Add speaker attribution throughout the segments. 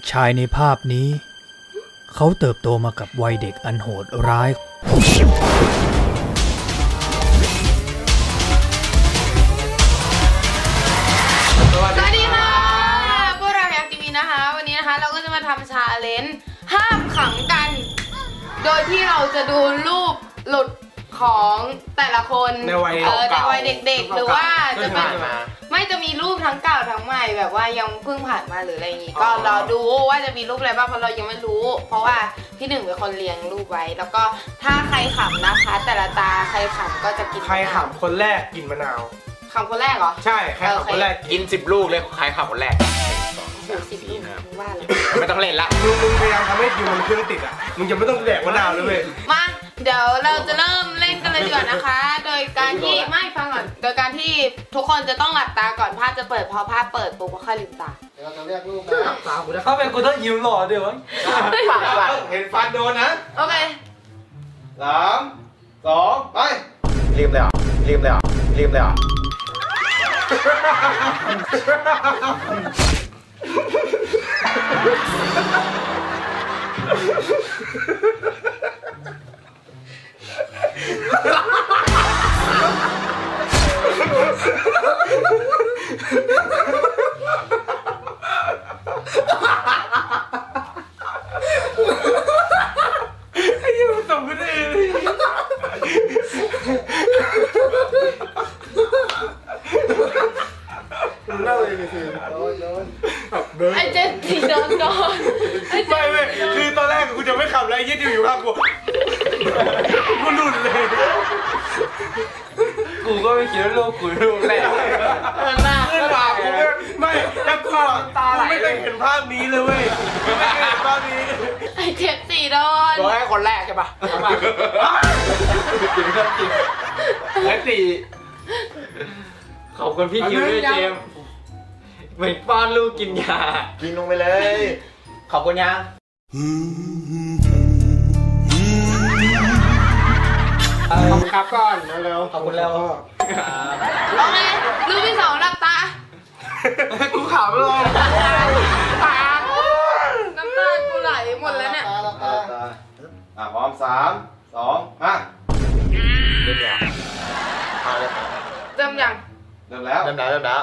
Speaker 1: ชายในภาพนี้เขาเติบโตมากับวัยเด็กอันโหดร้าย
Speaker 2: สวัสดีค่ะพวกเราอยากทีวีนะคะวันนี้นะคะเราก็จะมาทำชาเลนจ์ห้ามขังกันโดยที่เราจะดูรูปหลุดของแต่ละคน
Speaker 3: ในวัย
Speaker 2: เด็กๆหรือว่าจะเป็นไม่จะมีรูปทั้งเก่าทั้งใหม่แบบว่ายังเพิ่งผ่านมาหรืออะไรอย่างงี้ก็รอดูว่าจะมีรูปอะไรบ้างเพราะเรายังไม่รู้ เพราะว่าพี่หนึ่งเป็นคนเรียงรูปไว้แล้วก็ถ้าใครขำนะคะ แต่ละตาใครขำก็จะกิน
Speaker 3: ใครขำคนแรกกินมะนาว
Speaker 2: ขำคนแรกเหรอ
Speaker 3: ใช่ใครขำคนแรก
Speaker 4: กิน10 ลูกเลยใครขับคนแรก
Speaker 2: 10 ลูกมึงว่าเลย
Speaker 4: ไม่ต้องเล่นละ
Speaker 3: มึงพยายามทำให้คิวมันเครื่องติดอ่ะมึงจะไม่ต้องแดกมะนาวเลยเว้ย
Speaker 2: มาเดี๋ยวเราจะเริ่มเล่นกันเลยดีกว่านะคะ โดยการที่ไม่ฟังก่อนโดยการที่ทุกคนจะต้องหลับตาก่อนภาพจะเปิดพอภาพเปิดปุ๊บก็ค่อยลืมตา
Speaker 5: เราจะเรียกลูกนะ
Speaker 3: ถ้าเป็นกูต้องยิ้มหล่อเดี๋ยว
Speaker 5: เห็นฟันโดนนะ
Speaker 2: โอเค
Speaker 5: 3 2 ไป
Speaker 4: ลืมเลยเหรอลืมเลยเหรอลืมเลยเหรอ
Speaker 3: ส่งกันเองเล่าเลยคือ
Speaker 5: โดน
Speaker 2: ไอเจนสีโดนก่อนไอเจ
Speaker 3: ไม่
Speaker 2: น
Speaker 3: เว้ยคือตอนแรกกูจะไม่ขับแล้วยี่ดิวอยู่ข้างกูหลุดเลย
Speaker 4: กูก็ไม่คิดว่าลูกกูลูกแรก
Speaker 2: หน้า
Speaker 3: ขึ้นมากูไม่แล้วกูไม่เคยเห็นภาพนี้เลยเว้ยไม่เคยเห็นภาพนี้
Speaker 2: ไอเจ็บสีโดน
Speaker 4: โดนให้คนแรกใช่ปะกินเรื่องจริงและ4ขอบคุณพี่คิวด้วยเจมส์เหมือนป้อนลูกกินยา
Speaker 5: กินลงไปเลย
Speaker 4: ขอบคุณยัง
Speaker 3: ขอบคุณครับก่อนเร็ว
Speaker 4: ขอบคุณแล้ว
Speaker 2: โอเครูปที่2หลับตา
Speaker 3: กูขำเลย
Speaker 2: ปากน้ำตากูไหลหมดแล้วเนี่ย
Speaker 5: พร้อม3 2 มา
Speaker 4: เริ่มแล้วเอาเลย
Speaker 2: เริ่มยัง
Speaker 5: เริ่มแล้ว
Speaker 4: เริ่มแล้ว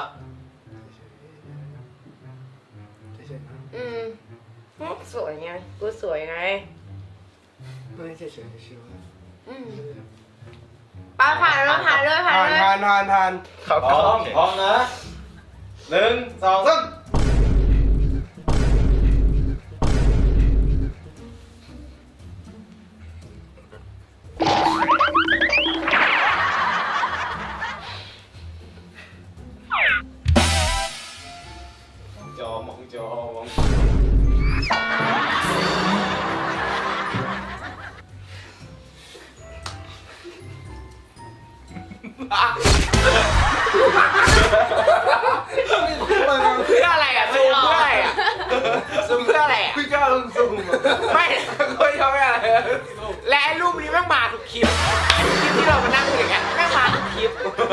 Speaker 2: อืมสวยไงกูสวยไง
Speaker 3: ไม่เฉยๆชิว
Speaker 2: อืมป้าผ่านแล้วผ่านเลย
Speaker 3: ทาน
Speaker 4: ครับ
Speaker 5: พร้อมนะ1 2 3มองจอ
Speaker 4: เพื่ออะไรอ่ะซูมเพื่ออะไรอ่ะซูมเพื่ออะไรอ่ะ
Speaker 3: พี่ก้าวซูม
Speaker 4: ไม่ก็ยังไม่อะไรและไอ้รูปนี้แม่งมาทุกคลิปคลิปที่เรามานั่งอย่างเงี้ยแม่งมาทุกคลิป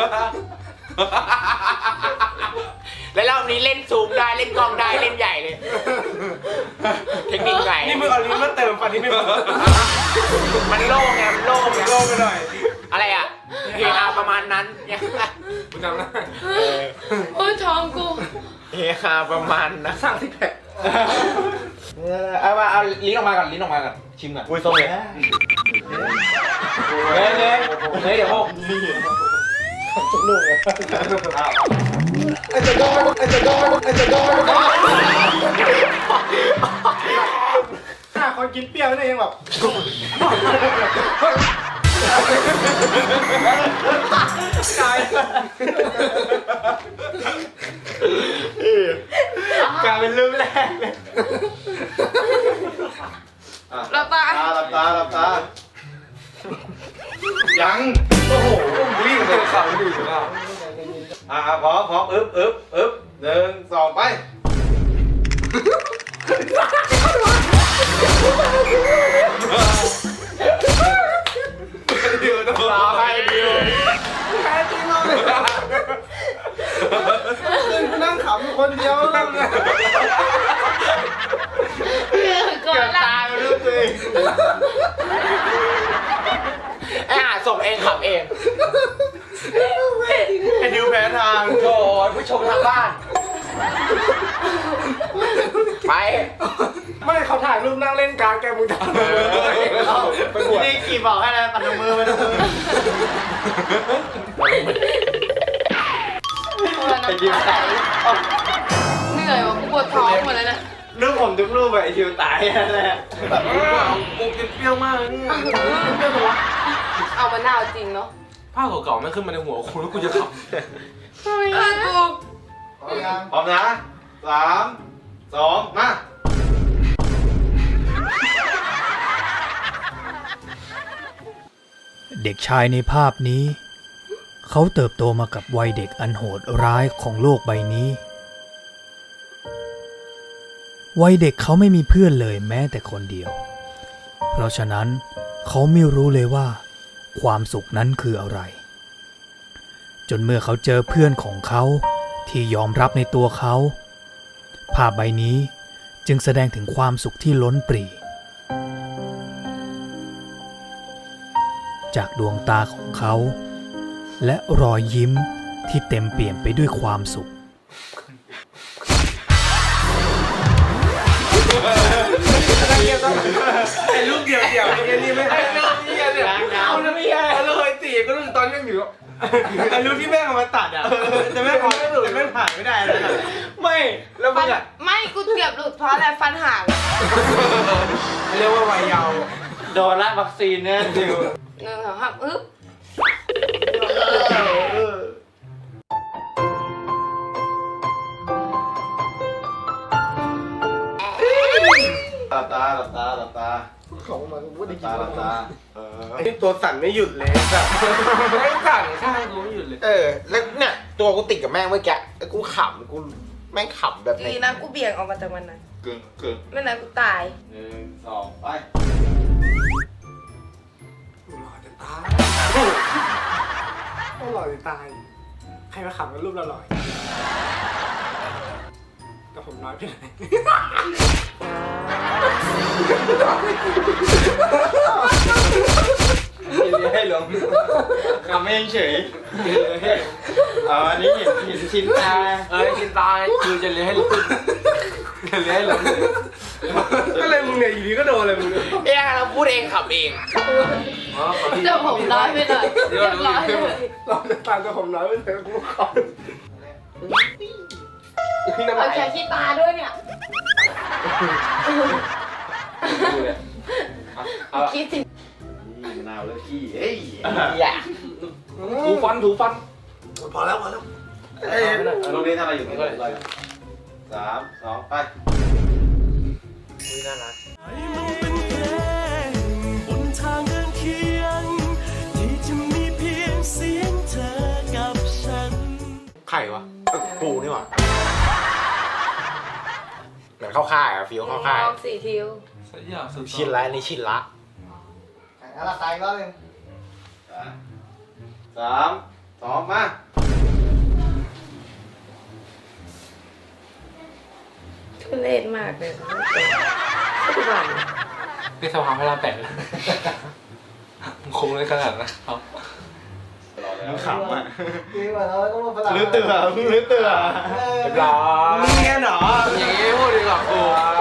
Speaker 4: แล้วรอบนี้เล่นซูมได้เล่นกล้องได้เล่นใหญ่เลยเทคนิคใหม่
Speaker 3: นี่มึงเอาลิ้นมาเติมฟันนี่ไม่พอ
Speaker 4: มันโล่งไงมันโล่งไง
Speaker 3: โลงไปหน่อย
Speaker 4: อะไรอ่ะเฮฮาประมาณนั้นเนี่ย
Speaker 3: กูจำได้
Speaker 2: โอ้ยท้องกู
Speaker 4: เฮฮาประมาณนะสั่งที่แผลเอามาเอาลิ้นออกมาก่อนลิ้นออกมาก่อนชิมก่อน
Speaker 5: อุ้ยส้มเลย
Speaker 4: เฮ้ยเดี๋ยวพวก
Speaker 3: ถ้าคนกินเปรี้ยวเนี่ยยังแบบ
Speaker 4: กลายเป็นรูปแรกเลย
Speaker 2: หลับตา
Speaker 5: หลับตายังโอ้โหวิ่งเลยขับดีมากพร้อมอึ๊บ1 2 ไปเดี๋ยวนะ
Speaker 4: รอให้ดิว
Speaker 3: แพ้จริงเลยกูนั่งขำอยู่คนเดียว
Speaker 4: ขับเอง
Speaker 3: ไอ้ดิวแพ้ทาง
Speaker 4: โอ้ยผู้ชมทางบ้าน ไป
Speaker 3: ไม่เขาถ่ายรูปนั่งเล่นการ์ดแกมึงถ่ายไปบวช
Speaker 5: นี่กี่บอกให้นะปัดมือไปดูมือ
Speaker 2: น้ำตาไหลเหนื่อยว่ะปวดท้องหมดแล้วเนี่ย
Speaker 5: รูปผมทุกรูปไอ้ทิวตายนั่นแหละ
Speaker 3: กูกินเปรี้ยวมากนี่
Speaker 2: เอามะนาวจริงเนาะ
Speaker 3: ภาพเก่าๆไม่ขึ้นมาในหัวกูแล้วกูจะขับ
Speaker 2: ทำไมอ่ะกู
Speaker 5: พร้อมนะ3 2มา
Speaker 1: เด็กชายในภาพนี้ เขาเติบโตมากับวัยเด็กอันโหดร้ายของโลกใบนี้ วัยเด็กเขาไม่มีเพื่อนเลยแม้แต่คนเดียว เพราะฉะนั้นเขาไม่รู้เลยว่า ความสุขนั้นคืออะไร จนเมื่อเขาเจอเพื่อนของเขาที่ยอมรับในตัวเขา ภาพใบนี้จึงแสดงถึงความสุขที่ล้นปรีจากดวงตาของเขา และรอยยิ้มที่เต็มเปี่ยมไปด้วยความสุข
Speaker 3: ไอ้ลูกเดี่ยวไอ้นี่ไม่ให้เอาแล้วไม่ให้แล้วเคยตีก็รู้ตอนยังอยู่ไอ้ลูกที่แม่งเอามาตัดอ่ะแต่แม่งผ่านไม่ได้เลยไม่แล้วมึ
Speaker 2: ฟัน
Speaker 3: งอ่ะ
Speaker 2: ไม่กูเกือบหลุดเพราะอะไรฟันห่าง
Speaker 3: เรียกว่าวัยเยาว์
Speaker 5: โดนละวัคซีนเนี่ยทิว
Speaker 2: 1 2 3อึ๊บ
Speaker 5: หลับตา
Speaker 3: ของมันกูได้
Speaker 5: หลับตา
Speaker 3: ไอ้ตัวสั่นไม่หยุดเลยแบบไม่สั่นข้างกูไม่หยุดเลย
Speaker 4: แล้วเนี่ยตัวกูติดกับแม่งเมื่อกี้แล้วกูขำกูแม่งขำแบบไหน
Speaker 2: ดีนะกูเบี่ยงออกมาจากวันนั้น
Speaker 5: กึ่ง
Speaker 2: ไม่นั้นกูตาย
Speaker 5: 1 2ไป
Speaker 3: หล่อจะตายหล่อจะตายใครมาขำกับรูปเราหล่อแต่ผมน้อยไปไหน
Speaker 5: ให้หลงคำไม่เฉยอันนี้เห็นชิ้นตา
Speaker 3: ชินตายคือจะเลี้ยงให้หลงจะเลี้ยงให้หลงก็เลยมึงเนี่ยอยู่ดีก็โดนเลยมึง
Speaker 4: เราพูดเองขับเอง
Speaker 2: เดี๋ยวผมน้อยไปหน่อยเรียบร้อยเลย
Speaker 3: เราจะตายแต่ผมน้อยไปเลยกูขอพี่น้ำ
Speaker 2: เอา
Speaker 3: ลาย
Speaker 2: แค่ขี้ตาด้วยเนี่ยคิดสิ
Speaker 5: มะนาวแล้วขี้เฮ้ย
Speaker 4: อย่า
Speaker 3: ถูฟันพอแล้ว
Speaker 5: ตรงนี้ทำอะไรอยู่3 2ไป
Speaker 4: น่ารัก
Speaker 6: มันเป็นเพลงบนทางเดินเคียงที่จะมีเพียงเสียงเธอกับฉัน
Speaker 4: ไข่วะกูนี่หว่าเหมือนเข้าค่ายอะฟิลเข้าค่าย
Speaker 2: ออก4 ทิว
Speaker 4: ชินละนี่ชินละ
Speaker 5: อะไรตายก็เลย3 2มา
Speaker 2: ทุเรศมากเลยทุกวัน
Speaker 3: นี่สภาพให้เราแตะคงเลยขนาดนะเขา
Speaker 5: มึงขำอ่ะ
Speaker 3: ลื้อเตือ
Speaker 5: เรียบร้อย
Speaker 3: มึงเงี้ยเหรออย่างงี้พูดดีกว่ากู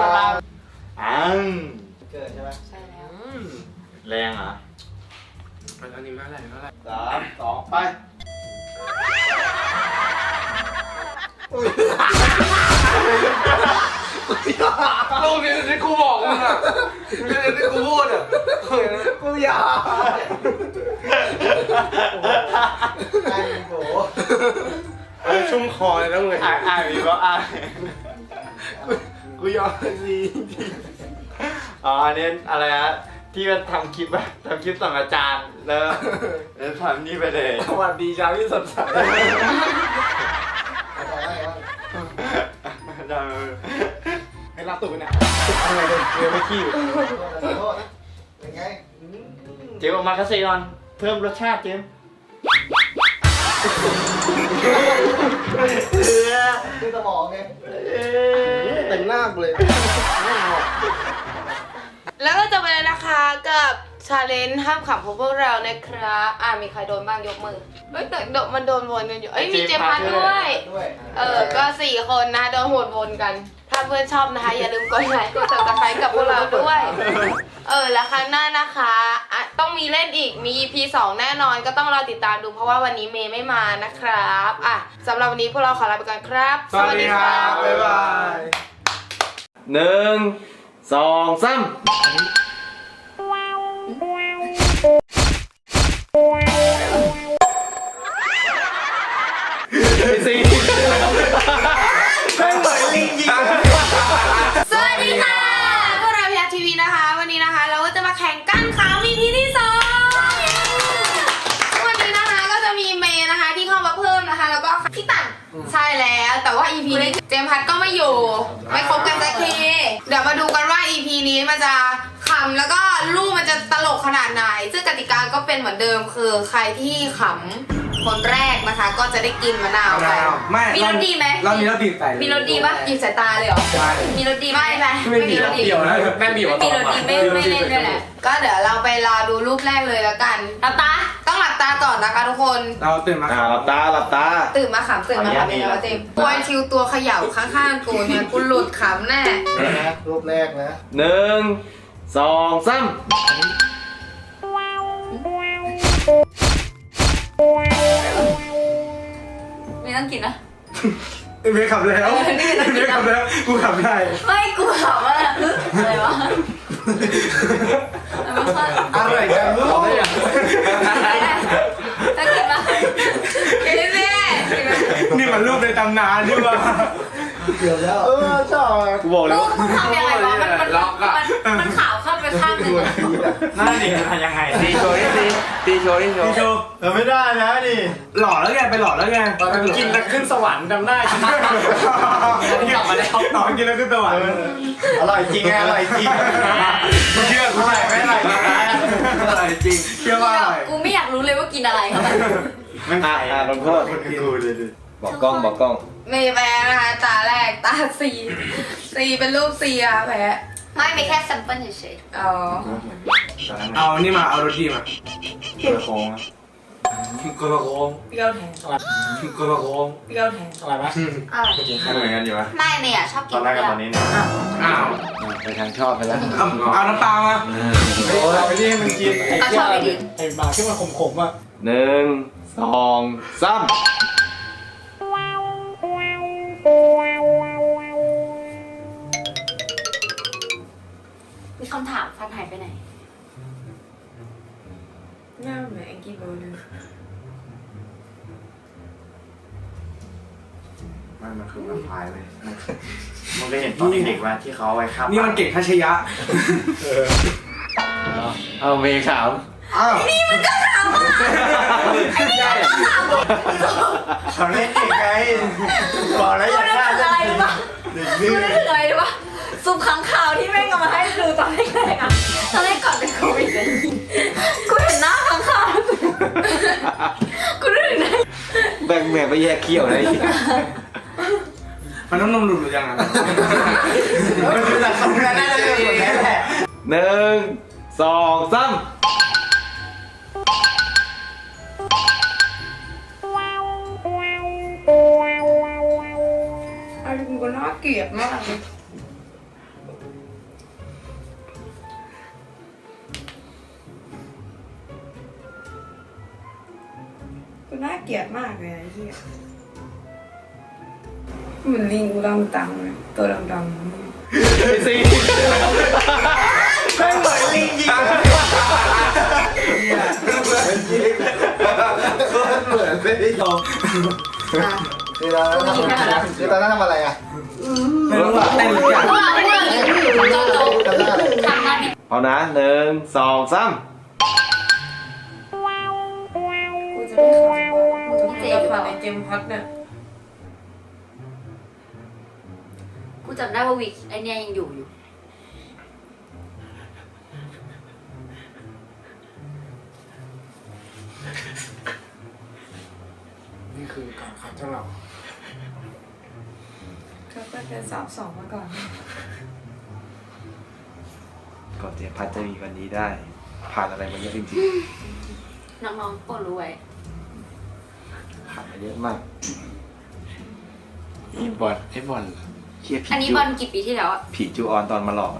Speaker 5: เกิดใช่ไหม
Speaker 2: ใช่แล้ว
Speaker 5: แรงเหรอ
Speaker 3: อันนี้ไม่อะไร
Speaker 5: 3 2ไป
Speaker 3: ลูกนี้ที่กูบอกมึงอ่ะที่กูพูดอ่ะกูอยากชุ่มคอเลยนะมึง
Speaker 5: มีก็
Speaker 3: กูยอมสิ
Speaker 5: อ๋ออันนี้อะไรฮะที่มันทำคลิปอะทำคลิปส่งอาจารย์แล้วทำนี่ไปเลย
Speaker 3: สวัสดีเช้าที่สดใส ให้ลาตู่เนี่ยอะไรเลยเรียนไม่ขี้
Speaker 5: เจมออกมากระเซียนเพิ่มรสชาติเจม
Speaker 3: คือสมองไงแต่งหน้ากูเลย
Speaker 2: แล้วก็จะไปเลยนะคะกับชาเลนจ์ห้ามขำของพวกเรานะครับมีใครโดนบ้างยกมือเอ้ยแต่มันโดนวนกันอยู่มีเจมพัทด้วยก็4 คนนะโดนวนกันถ้าเพื่อนชอบนะคะอย่าลืมกดไลค์กด subscribe กับพวกเราด้วยแล้วครั้งหน้านะคะต้องมีเล่นอีกมี EP 2 แน่นอนก็ต้องรอติดตามดูเพราะว่าวันนี้เมย์ไม่มานะครับสำหรับวันนี้พวกเราขอลาไปก่อนครับ
Speaker 3: สวัสดีครับบ๊ายบาย
Speaker 5: 1 2 3
Speaker 2: สวัสดีค่ะพวกเราพีอาร์ทีวีนะคะวันนี้นะคะเราก็จะมาแข่งกันขาว EP ที่ 2วันนี้นะคะก็จะมีเมย์นะคะที่เข้ามาเพิ่มนะคะแล้วก็พี่ตันใช่แล้วแต่ว่า EP นี้เจมส์พัทก็ไม่อยู่ไม่ครบกันสักทีเดี๋ยวมาดูกันว่า EP นี้มันจะขำแล้วก็ลูกมันจะตลกขนาดไหนซึ่งกติกาก็เป็นเหมือนเดิมคือใครที่ขำคนแรกนะคะก็จะได้กินมะนาวไปมีรสดีไหม
Speaker 3: เรามีรสดีใส่
Speaker 2: มีรสดีปะหยิบสายตาเลยเหรอมีรสดีไหมไม่มีรสดี
Speaker 3: เกี่ยวนะแม่บีบ
Speaker 2: ไม่มีรสดีไม่เล่นด้วยแหละก็เดี๋ยวเราไปรอดูรูปแรกเลยแล้วกันหลับตาต้องหลับตาก่อนนะคะทุกคน
Speaker 3: เราตื่นมา
Speaker 5: หลับตาหลับตา
Speaker 2: ตื่นมาขำเป็นแล้วเจมตัวชิวตัวเขย่าข้างๆกูเนี่ยกูหลุดขำแน่
Speaker 7: รูปแรกนะ
Speaker 5: 1 2 3
Speaker 2: ไม่ต้องกินนะ
Speaker 3: เมย์ขับแล้วเมย์ขับแล้วกูขับได้
Speaker 2: ไม่กูขำว่าอะไรวะ
Speaker 3: อะไรกันลูก
Speaker 2: ต้องกินปะกินแม่
Speaker 3: นี่มันรูปในตำนานนี่วะ
Speaker 7: เกือบแล้ว
Speaker 3: ชอบ
Speaker 5: กูบอกแล้ว
Speaker 2: กูทำยังไงวะมันขาวเข้าไปข้างหนึ่ง
Speaker 3: น่าดิยังไง
Speaker 5: ตีโชว์นี่ตีโชว์นี่โช
Speaker 3: พี่
Speaker 5: ว์
Speaker 3: โชว์
Speaker 7: ไม่ได้นะนี่
Speaker 3: หล่อแล้วไงไปหล่อแล้วไง
Speaker 7: กินแล้วขึ้นสวรรค์จำได้
Speaker 3: กลับมาแล้วต่อกินแล้วขึ้นสวรรค์
Speaker 7: อร่อยจริงไงอร่อยจริง
Speaker 3: มึงเชื่อกูไหมไม่อร่อยอร่อยจริงเชื่อว่าอร่อย
Speaker 2: กูไม่อยากรู้เลยว่ากินอะไรครับ
Speaker 3: ไม่ใช่
Speaker 5: ลงโทษบอกกล้องบอกกล้อง
Speaker 2: เมย์แพ้นะคะตาแรกตาซีเป็นรูปซีอะแพ้ไม่ไม่แค่ซัมเปิลเฉยๆอ๋อ
Speaker 3: เอานี่มาเอารถดีมา
Speaker 5: เกี่ยวโค้ง
Speaker 3: กระโค้ง
Speaker 2: เปรี้ยวแทน
Speaker 3: กระโค้ง
Speaker 2: เปรี้ยวแทน
Speaker 7: อะไรวะ
Speaker 5: กินข้าวเหมือนกันอยู่ปะ
Speaker 2: ไม่เมย์อะชอบ
Speaker 5: ต
Speaker 2: กิ
Speaker 5: อน นแรกกับตอนนี้เนี่ย
Speaker 3: อ้าว
Speaker 5: ไปทางชอบไปแล้ว
Speaker 3: เอาน้ำปลามา
Speaker 7: โอ้ยไปนี่มันกิน
Speaker 2: ก็ชอบไปกิน
Speaker 7: ไอ้หมาที่มันขมๆอ่ะ
Speaker 5: 1 2 3
Speaker 2: มีคำถามฟันหายไปไหน
Speaker 8: หน้าเหมือนแองกี้เบิร์ดเลย
Speaker 5: มันคือมันพายเลยมันก็เห็นตอนเด็กว่าที่เขาเอาไว้ข้าม
Speaker 3: นี่มันเก่งทัชยะ
Speaker 5: เอาเมย์ขาว
Speaker 3: อ้าว
Speaker 7: เขาเล่นเองไงบอกแล้วอย่าฆ่า
Speaker 8: อะไรรู้ปะกูนึกถึงอะไรรู้ปะซุปค้างคาวที่แม่งเอามาให้ดูตอนแรกๆอะตอนแรกก่อนเป็นโควิดเลยกูเห็นหน้าค้างคาวกูนึกถึงได้
Speaker 5: แบ่งแม่ไปแยกเขี้ยวเลย
Speaker 3: มันต้องนมหลุดหรือยังอ่ะ
Speaker 7: มันดูจากตรงนั้นน่าจะเป็นแบบนั้นแหละ
Speaker 5: 1 2 3
Speaker 8: อะไรกูก็น่าเกลียดมากเลยกูน่าเกลียดมากเลยไอ้เหี้ยเหมือนลิงกูดำตังเลยตัวดำๆ
Speaker 5: ซี
Speaker 7: ไม่เหมือนลิงจริงเหมือนไม่ได้ยอมคือตอนนั้นทำอะไรอ่ะ
Speaker 3: ไม่รู้ว่าเต้นหรือยัง
Speaker 7: จำได้เลย
Speaker 5: เอานะ1 2 3
Speaker 8: กูจะไม่ขำว่ามึงต้องเจ็บในเจมพัดเนี่ย
Speaker 2: กูจำได้ว่าวิกไอเนี้ยยังอยู่
Speaker 7: นี่คือการขัดเจ้าเรา
Speaker 8: เขาก็เป็น3-2มาก่อน
Speaker 5: ก่อนเสียพัดจะมีวันนี้ได้
Speaker 3: ผ่านอะไรมาเยอะจริง
Speaker 8: น้องๆโปรดรู้ไว้
Speaker 3: ๆผ่านมาเยอะมากไอ้บอลเฮียผี
Speaker 8: อันนี้บอลกี่ปีที่แล้วอะ
Speaker 3: ผีจูออนตอนมาหลอก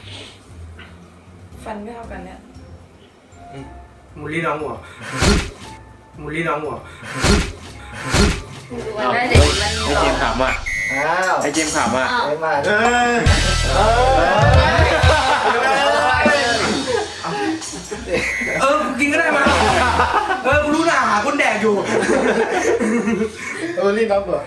Speaker 2: ฟันไม่เท่ากันเนี่ย
Speaker 3: มูลลี่น้องหัวมูลลี่น้องหัว
Speaker 8: ดูวันได้เด็กมัน
Speaker 3: ไอเจมส์ขำอ่ะ
Speaker 7: อ้าว
Speaker 3: ไอเจมส์ขำอ่ะ
Speaker 7: ไม่มา
Speaker 3: กูกินก็ได้มากูรู้นะหาคนแดกอยู่
Speaker 7: รีบรับเหรอ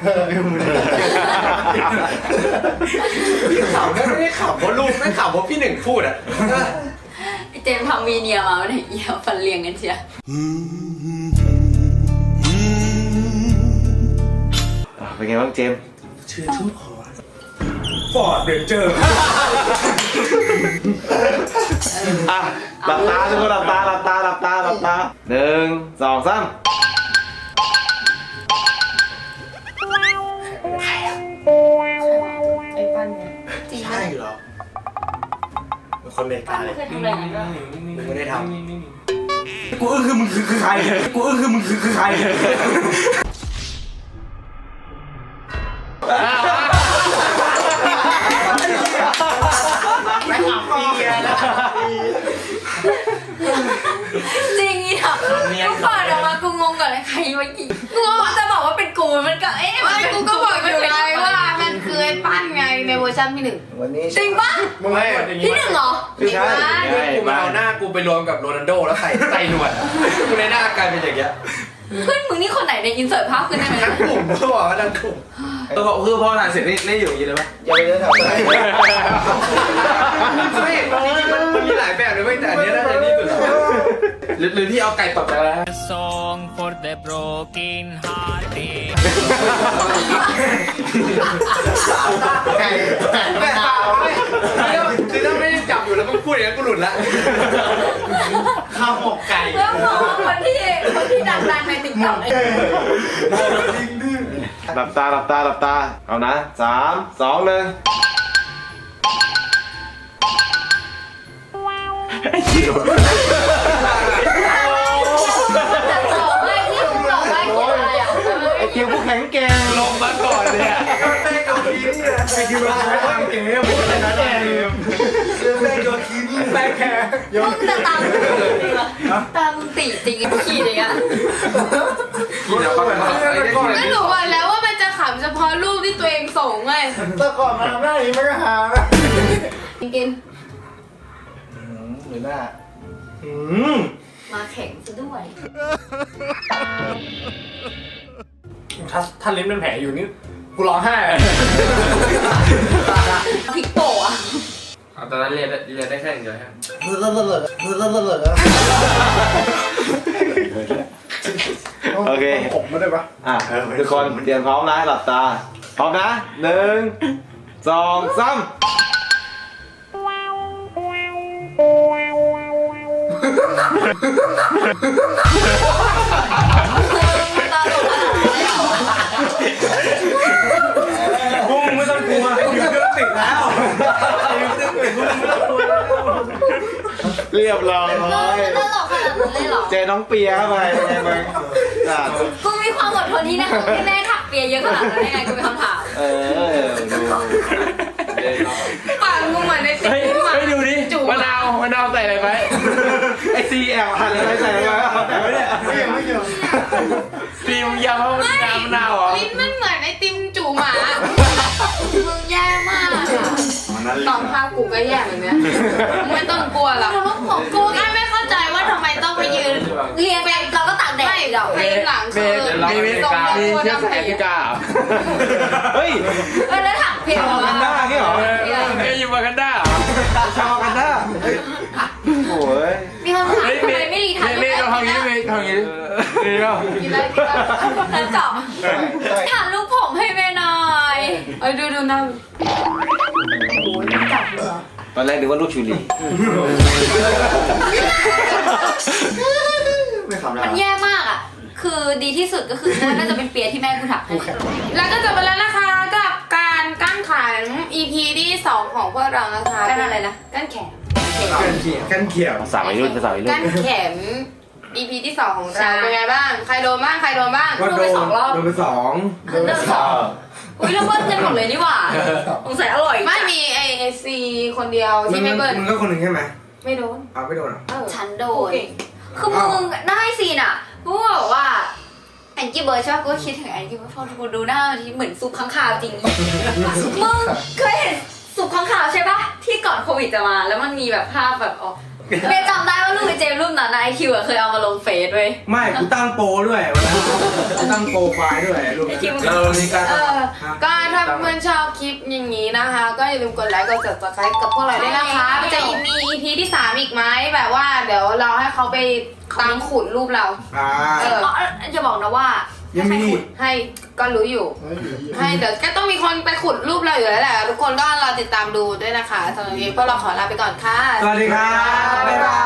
Speaker 4: ขำไม่ได้ขำเพราะลูกไม่ขำเพราะพี่หนึ่งพูดอ่ะ
Speaker 8: ไอ้เจมส์ทำวีเนียมาเนี่ยเอี่ยวฟันเรียงกันเชีย
Speaker 3: เป็นไงบ้างเจมส์
Speaker 4: ชื่อทุ่งขอฟอร์ดเรนเจอร์
Speaker 3: อ่ะหลับตาทุกคนหลับตา1 2 3
Speaker 2: ไอ้ปั้นเนี่ย
Speaker 8: จริง
Speaker 4: ใช่เหรอเป็นคนอเมริ
Speaker 8: ปั้
Speaker 4: กาน เลย
Speaker 8: เคยทำอะไรกันด้วย
Speaker 4: ไม่ได้ท
Speaker 3: กูคือมึงคือใครกูคือมึงคือใคร
Speaker 4: ไม่ขำพี่แล้ว
Speaker 8: จริงอ่ะกูเปิดออกมากูงงก่อนเลยใครมายิงกูจะบอกว่าเป็นกูมันก็
Speaker 2: ไม่กูก็บอกอยู่ไงว่ามันคือไอ้ปั้นไงในเวอร์ชันพี่หนึ่ง
Speaker 7: วันนี้
Speaker 8: จริงปะ
Speaker 4: มึงไม่
Speaker 8: พี่หนึ่งเหรอ
Speaker 3: ไม่ใช่
Speaker 4: กูมาเอาหน้ากูไปรวมกับโรนัลโดแล้วใส่หนวดกูในหน้ากลายเป็นอย่างเงี้ย
Speaker 8: เพื่อนมึงนี่คนไหนในอินเสิร์ตภาพขึ้นได้ไหม
Speaker 4: ทั้งกลุ่มเขาบอกว่าทั้งกลุ่ม
Speaker 3: คือพอถ่ายเสร็จนี่อยู่อย่างนี้เลยปะ
Speaker 7: อย่าไปเดินทำอะไร
Speaker 4: ไม่จริงๆมันมีหลายแบบเลยเว้ยแต่อันนี้น่าจะนี่สุดหรือที่เอาไก่ตบไปแล้ว
Speaker 6: Song for the broken hearted
Speaker 7: ไก่
Speaker 4: แต่เปล่าไม่คือถ้าไม่ได้จับอยู่แล้วมึงพูดอย่างนั้นกูหลุดละข้าวหมกไก่
Speaker 8: แล้วมองคนที่ดังๆในติ๊กต็อก
Speaker 3: หลับตาเอานะ3 2 1ไอ้เกียวผู้แข็งแกร่งลงมาก่อนเนี่ยไอ้เกียวใช้ทางเกมไม่ใช่นะเกมแม่โยคินแม่แค่
Speaker 8: มึงจะตามตามตีจริงขี่เลยอ่ะ
Speaker 3: กินแล้วก็แบบ
Speaker 2: ก็หนูบอกแล้วว่ามันจะขำเฉพาะรูปที่ตัวเองส่งไง
Speaker 7: แต่ก่อนมาทำหน้าอย่างนี้ไม่ก็หานะ
Speaker 2: กิน
Speaker 7: หรือหน้า
Speaker 8: มาแข่งซะด้วย
Speaker 4: ถ้าลิ้นเป็นแผลอยู่นี่กูร้องไห้
Speaker 8: พริกโปะ
Speaker 3: ตอนนั้นเรียนได้แค่อย่างเดียวฮะ
Speaker 7: เลิศ
Speaker 3: โอเค
Speaker 7: ผมไม่ได้ปะ
Speaker 3: ทุกคนเตรียมพร้อมนะหลับตาพร้อมนะ1 2 3
Speaker 7: บุ้งไม่ต้องกลัวอยู่เครื่องติดแล้ว
Speaker 3: เรียบร้อย
Speaker 8: ตลกขนาดนั้นเลยเหรอ
Speaker 3: เจน้องเปียเข้าไปเป็นไงบ้าง
Speaker 8: กูมีความอดทนที่นะที่แม่ถักเปียเยอะขนาดนั้นยังไงกูมีคำถาม
Speaker 3: ดู
Speaker 2: ปากมึงเหมือนในติ๊กต็อก
Speaker 3: ดูดิมะนาวใส่อะไรไปไอซีแอบหั่นอะไรใส่อะไรไปแต่ไม่ได้
Speaker 7: ไม่เกี่ยว
Speaker 3: ซีมยำเพราะมันน้ำมะนาวเหรอ
Speaker 2: ลิ้นมันเหมือนไอติมจู่หมามึงแย่มากอะตอนภาพกูก็แย่เหมือนเนี้ยไม่ต้องกลัวหรอกของกูไม่เข้าใจว่าทำไมต้องไปยืน
Speaker 8: เรียนไปเราก็ตากแดด
Speaker 2: ไม่
Speaker 8: อีกเหรอ
Speaker 2: เพลงหลังคือทรงตัวดำผี
Speaker 3: เฮ้ย
Speaker 8: แล้วถักเปีย
Speaker 3: ชาวกันด้าเนี่ยเหรออยู่มากันด้าชาวกันด้าโอ้ย
Speaker 8: มีคำถามทำไมไม่รีทันลูกผมแล้วเจาะถามลูกผมให้แม่หน่อย
Speaker 2: ดูหน้า
Speaker 3: ตอนแรกนึกว่าลูกชูรี
Speaker 7: ไม่ขำ
Speaker 8: มันแย่มากอ่ะ คือดีที่สุดก็คือน่าจะเป็นเปียที่แม่กูถักให้
Speaker 2: แล้วก็จบไปแล้วนะคะกับการกั้นขัน EP ที่ 2 ของพวกเรานะคะ
Speaker 8: กันอะไรนะ
Speaker 2: กั้นแขน
Speaker 3: กันเขียว
Speaker 4: ภาษาวัยรุ่นภาษาวัยรุ่น
Speaker 2: กั้นแขน EP ที่2ของเราเป็นไงบ้างใครโดนบ้างใครโดนบ้าง
Speaker 3: ก็โดนโดนไป2
Speaker 8: อุ้ยเราเบิ้ลกันหมดเลยนี่หว่าสงสัยอร่อย
Speaker 2: ไม่มีไอซีคนเดียวที่ไม่เบิ้ล
Speaker 3: มึงก็คนหนึ่งใช่ไหม
Speaker 2: ไม่โดน
Speaker 3: เอาไม่โดนอ่ะ
Speaker 8: ฉันโดนคือมึงได้ซีนอ่ะกูบอกว่าแองกี้เบิร์ดใช่ป่ะกูคิดถึงแองกี้เบิร์ดพอกูดูหน้าที่เหมือนซุปข้างคาวจริงมึงเคยเห็นซุปข้างคาวใช่ป่ะที่ก่อนโควิดจะมาแล้วมันมีแบบภาพแบบอ๋อเมย์จำได้ว่ารูปไอเจมส์รูปนั้นนะไอคิวเคยเอามาลงเฟซด้วย
Speaker 3: ไม่กูตั้งโปรด้วยวันนั้นกูตั้งโปรไฟล์ด้วยรูป
Speaker 8: ไอคิว
Speaker 3: เรานี่ก็
Speaker 2: ก็ถ้าเพื่อนชอบคลิปอย่างนี้นะคะ ก็อย่าลืมกดไลค์กด subscribe กับพวกเราด้วยนะคะมันจะมี EP ที่3อีกไหมแบบว่าเดี๋ยวเราให้เขาไปตามขุดรูปเรา
Speaker 8: จะบอกนะว่า
Speaker 3: ยังมี
Speaker 2: ให้ก็รู้อยู่ ให้เดี๋ยวก็ต้องมีคนไปขุดรูปเราอยู่แล้วแหละทุกคนก็รอติดตามดูด้วยนะคะสำหรับวันนี้พวกเราขอลาไปก่อนค่ะ
Speaker 3: สวัสดีครับบ๊ายบาย